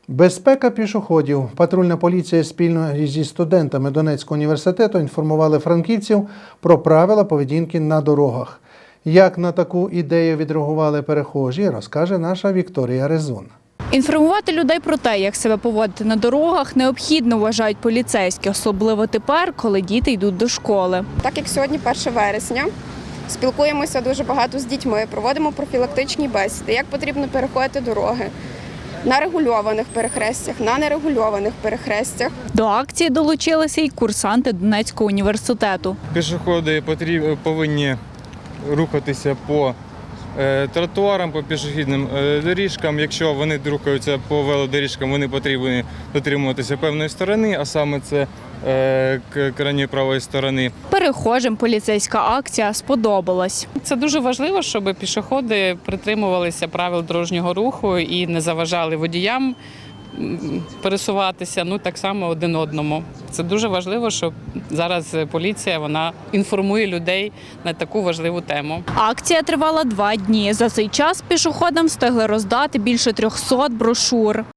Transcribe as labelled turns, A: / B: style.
A: Безпека пішоходів. Патрульна поліція спільно зі студентами Донецького університету інформували франківців про правила поведінки на дорогах. Як на таку ідею відреагували перехожі, розкаже наша Вікторія Резун.
B: Інформувати людей про те, як себе поводити на дорогах, необхідно, вважають поліцейські, особливо тепер, коли діти йдуть до школи.
C: Так як сьогодні 1 вересня, спілкуємося дуже багато з дітьми, проводимо профілактичні бесіди, як потрібно переходити дороги на регульованих перехрестях, на нерегульованих перехрестях.
B: До акції долучилися й курсанти Донецького університету.
D: Пішоходи повинні рухатися по тротуарам, по пішохідним доріжкам. Якщо вони рухаються по велодоріжкам, вони повинні дотримуватися певної сторони, а саме це крайньої правої сторони.
B: Перехожим поліцейська акція сподобалась.
E: Це дуже важливо, щоб пішоходи притримувалися правил дорожнього руху і не заважали водіям пересуватися, так само один одному. Це дуже важливо, що зараз поліція інформує людей на таку важливу тему.
B: Акція тривала 2 дні. За цей час пішоходам встигли роздати більше 300 брошур.